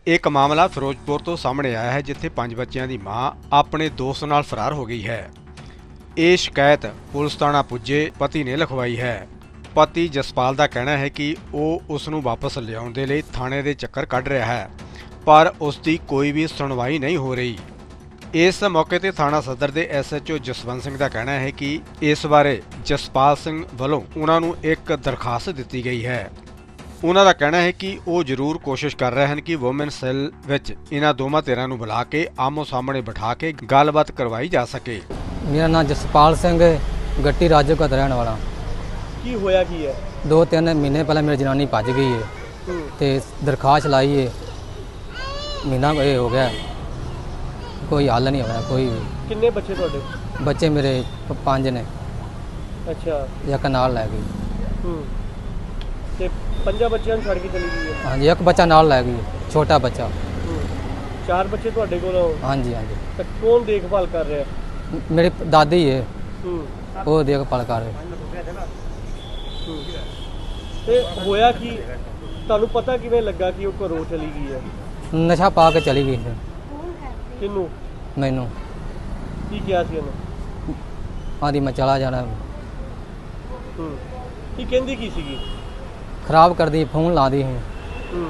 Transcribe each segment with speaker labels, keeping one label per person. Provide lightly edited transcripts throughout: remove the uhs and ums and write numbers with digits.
Speaker 1: ਇੱਕ ਮਾਮਲਾ ਫਿਰੋਜ਼ਪੁਰ ਤੋਂ ਸਾਹਮਣੇ ਆਇਆ ਹੈ ਜਿੱਥੇ 5 ਬੱਚਿਆਂ ਦੀ ਮਾਂ ਆਪਣੇ ਦੋਸਤ ਨਾਲ ਫਰਾਰ ਹੋ ਗਈ ਹੈ। ਇਹ ਸ਼ਿਕਾਇਤ ਪੁਲਿਸ ਥਾਣਾ ਪੁੱਜੇ ਪਤੀ ਨੇ ਲਿਖਵਾਈ ਹੈ। ਪਤੀ ਜਸਪਾਲ ਦਾ ਕਹਿਣਾ ਹੈ ਕਿ ਉਹ ਉਸ ਨੂੰ ਵਾਪਸ ਲਿਆਉਣ ਦੇ ਲਈ ਥਾਣੇ ਦੇ ਚੱਕਰ ਕੱਢ ਰਿਹਾ ਹੈ, ਪਰ ਉਸ ਦੀ ਕੋਈ ਵੀ ਸੁਣਵਾਈ ਨਹੀਂ ਹੋ ਰਹੀ। ਇਸ ਮੌਕੇ ਤੇ ਥਾਣਾ ਸਦਰ ਦੇ SHO ਜਸਵੰਤ ਸਿੰਘ ਦਾ ਕਹਿਣਾ ਹੈ ਕਿ ਇਸ ਬਾਰੇ ਜਸਪਾਲ ਸਿੰਘ ਵੱਲੋਂ ਉਹਨਾਂ ਨੂੰ ਇੱਕ ਦਰਖਾਸਤ ਦਿੱਤੀ ਗਈ ਹੈ। ਉਹਨਾਂ ਦਾ ਕਹਿਣਾ ਹੈ ਕਿ ਉਹ ਜ਼ਰੂਰ ਕੋਸ਼ਿਸ਼ ਕਰ ਰਹੇ ਹਨ ਕਿ ਵੂਮਨ ਸੈੱਲ ਵਿੱਚ ਇਹਨਾਂ ਦੋਵਾਂ ਧਿਰਾਂ ਨੂੰ ਬੁਲਾ ਕੇ ਆਮੋ ਸਾਹਮਣੇ ਬਿਠਾ ਕੇ ਗੱਲਬਾਤ ਕਰਵਾਈ ਜਾ ਸਕੇ।
Speaker 2: मेरा नाम जसपाल सिंह गट्टी राजो का रहने वाला।
Speaker 3: की होया की है
Speaker 2: 2-3 महीने पहले मेरी जनानी भज गई है तो दरखास्त लाई है, महीना ये हो गया, कोई हल नहीं होया। कोई
Speaker 3: किन्ने बच्चे ਤੁਹਾਡੇ?
Speaker 2: बच्चे मेरे 5 ने।
Speaker 3: अच्छा
Speaker 2: एक नाल लै गई।
Speaker 3: ਤੇ ਪੰਜਾਂ ਬੱਚਿਆਂ ਨੂੰ ਛੱਡ ਕੇ ਚਲੀ ਗਈ ਹੈ?
Speaker 2: हाँ जी, एक बच्चा नाल लै गई, छोटा बच्चा।
Speaker 3: 4 ਬੱਚੇ ਤੁਹਾਡੇ ਕੋਲ?
Speaker 2: हाँ जी हाँ जी।
Speaker 3: ਤਾਂ ਕੌਣ ਦੇਖਭਾਲ ਕਰ ਰਿਹਾ?
Speaker 2: मेरी दादी है,
Speaker 3: ਹੂੰ
Speaker 2: वो देखभाल कर रहे।
Speaker 3: ਤੇ ਹੋਇਆ ਕੀ ਤੁਹਾਨੂੰ ਪਤਾ ਕਿਵੇਂ ਲੱਗਾ ਕਿ ਉਹ ਘਰੋਂ ਚਲੀ ਗਈ ਹੈ?
Speaker 2: नशा पा के चली गई थी।
Speaker 3: ਕਿਹਨੂੰ
Speaker 2: मैनू
Speaker 3: ਕੀ ਕਿਹਾ ਸੀ ਉਹਨੇ?
Speaker 2: आदि मैं चला जाना,
Speaker 3: ਹੂੰ ਕੀ ਕਹਿੰਦੀ ਕੀ ਸੀਗੀ?
Speaker 2: खराब कर दी, फोन ला दी।
Speaker 3: ਹੂੰ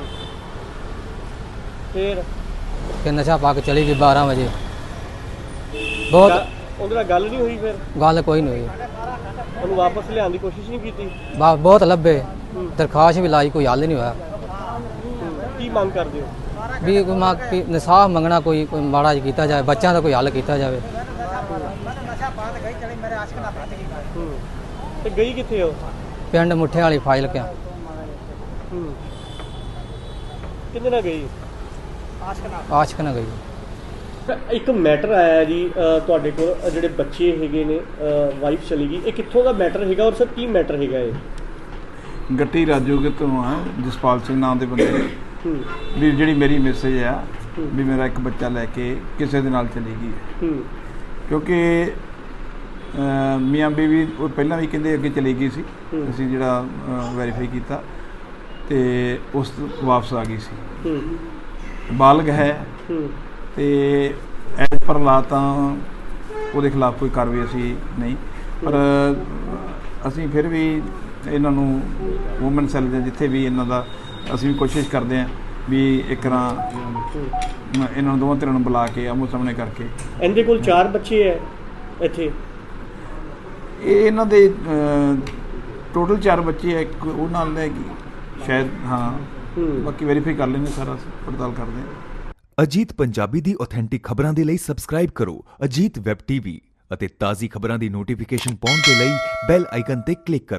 Speaker 3: ਫਿਰ
Speaker 2: फिर नशा पा के चली गई 12 बजे। बहुत
Speaker 3: ਉਹਦੇ ਨਾਲ ਗੱਲ ਨਹੀਂ ਹੋਈ? ਫਿਰ
Speaker 2: गल कोई नहीं हुई।
Speaker 3: ਉਹਨੂੰ ਵਾਪਸ ਲਿਆਉਣ ਦੀ ਕੋਸ਼ਿਸ਼ ਨਹੀਂ ਕੀਤੀ?
Speaker 2: बहुत लब्बे, दरखास्त भी लाई, कोई हल नहीं होया।
Speaker 3: ਕੀ ਮੰਗ ਕਰਦੇ ਹੋ?
Speaker 2: भी इंसाफ मंगना, कोई माड़ा जिहा कीता जाए, बच्चों का कोई हल कीता जाए।
Speaker 3: ਤੇ ਗਈ ਕਿੱਥੇ ਹੋ?
Speaker 2: पिंड मुठे वाली फाइल क्या
Speaker 3: ਕਿੰਨੇ ਨਾਲ ਗਈ?
Speaker 2: आशक न गई।
Speaker 3: ਇੱਕ ਮੈਟਰ ਆਇਆ ਜੀ ਤੁਹਾਡੇ ਕੋਲ, ਜਿਹੜੇ ਬੱਚੇ ਹੈਗੇ ਨੇ, ਵਾਈਫ ਚਲੀ ਗਈ, ਇਹ ਕਿੱਥੋਂ ਦਾ ਮੈਟਰ ਹੈਗਾ ਔਰ ਸਰ ਕੀ ਮੈਟਰ ਹੈਗਾ ਇਹ?
Speaker 4: ਗੱਟੀ ਰਾਜੋਗੇ ਤੋਂ ਆ, ਜਸਪਾਲ ਸਿੰਘ ਨਾਮ ਦੇ ਬੰਦੇ ਨੇ। ਵੀ ਜਿਹੜੀ ਮੇਰੀ ਮੈਸੇਜ ਆ ਵੀ ਮੇਰਾ ਇੱਕ ਬੱਚਾ ਲੈ ਕੇ ਕਿਸੇ ਦੇ ਨਾਲ ਚਲੀ ਗਈ ਹੈ, ਕਿਉਂਕਿ ਮੀਆਂ ਬੀਵੀ ਉਹ ਪਹਿਲਾਂ ਵੀ ਕਹਿੰਦੇ ਅੱਗੇ ਚਲੀ ਗਈ ਸੀ। ਅਸੀਂ ਜਿਹੜਾ ਵੈਰੀਫਾਈ ਕੀਤਾ ਤੇ ਉਸ ਤੋਂ ਵਾਪਸ ਆ ਗਈ ਸੀ। ਬਾਲਗ ਹੈ ਤੇ ਐਜ਼ ਪਰ ਲਾ ਤਾਂ ਉਹਦੇ ਖਿਲਾਫ ਕੋਈ ਕਾਰਵਾਈ ਅਸੀਂ ਨਹੀਂ, ਪਰ ਅਸੀਂ ਫਿਰ ਵੀ ਇਹਨਾਂ ਨੂੰ ਵੂਮਨ ਸੈੱਲ ਦੇ ਜਿੱਥੇ ਵੀ ਇਹਨਾਂ ਦਾ ਅਸੀਂ ਵੀ ਕੋਸ਼ਿਸ਼ ਕਰਦੇ ਹਾਂ ਵੀ ਇੱਕ ਤਰ੍ਹਾਂ ਇਹਨਾਂ ਨੂੰ ਦੋਵਾਂ ਧਿਰਾਂ ਨੂੰ ਬੁਲਾ ਕੇ ਆਮੋ ਸਾਹਮਣੇ ਕਰਕੇ।
Speaker 3: ਇਹਦੇ ਕੋਲ 4 ਬੱਚੇ ਹੈ ਇੱਥੇ?
Speaker 4: ਇਹ ਇਹਨਾਂ ਦੇ ਟੋਟਲ 4 ਬੱਚੇ ਹੈ, ਇੱਕ ਉਹ ਨਾਲ ਲੈ ਗਈ ਸ਼ਾਇਦ। ਹਾਂ, ਬਾਕੀ ਵੈਰੀਫਾਈ ਕਰ ਲੈਂਦੇ, ਸਾਰਾ ਪੜਤਾਲ ਕਰਦੇ ਹਾਂ।
Speaker 5: ਅਜੀਤ ਪੰਜਾਬੀ ਦੀ ਆਥੈਂਟਿਕ ਖਬਰਾਂ ਦੇ ਲਈ ਸਬਸਕ੍ਰਾਈਬ ਕਰੋ ਅਜੀਤ ਵੈਬ TV ਅਤੇ ਤਾਜ਼ੀ ਖਬਰਾਂ ਦੀ ਨੋਟੀਫਿਕੇਸ਼ਨ ਪਾਉਣ ਦੇ ਲਈ ਬੈਲ ਆਈਕਨ ਤੇ ਕਲਿੱਕ ਕਰੋ।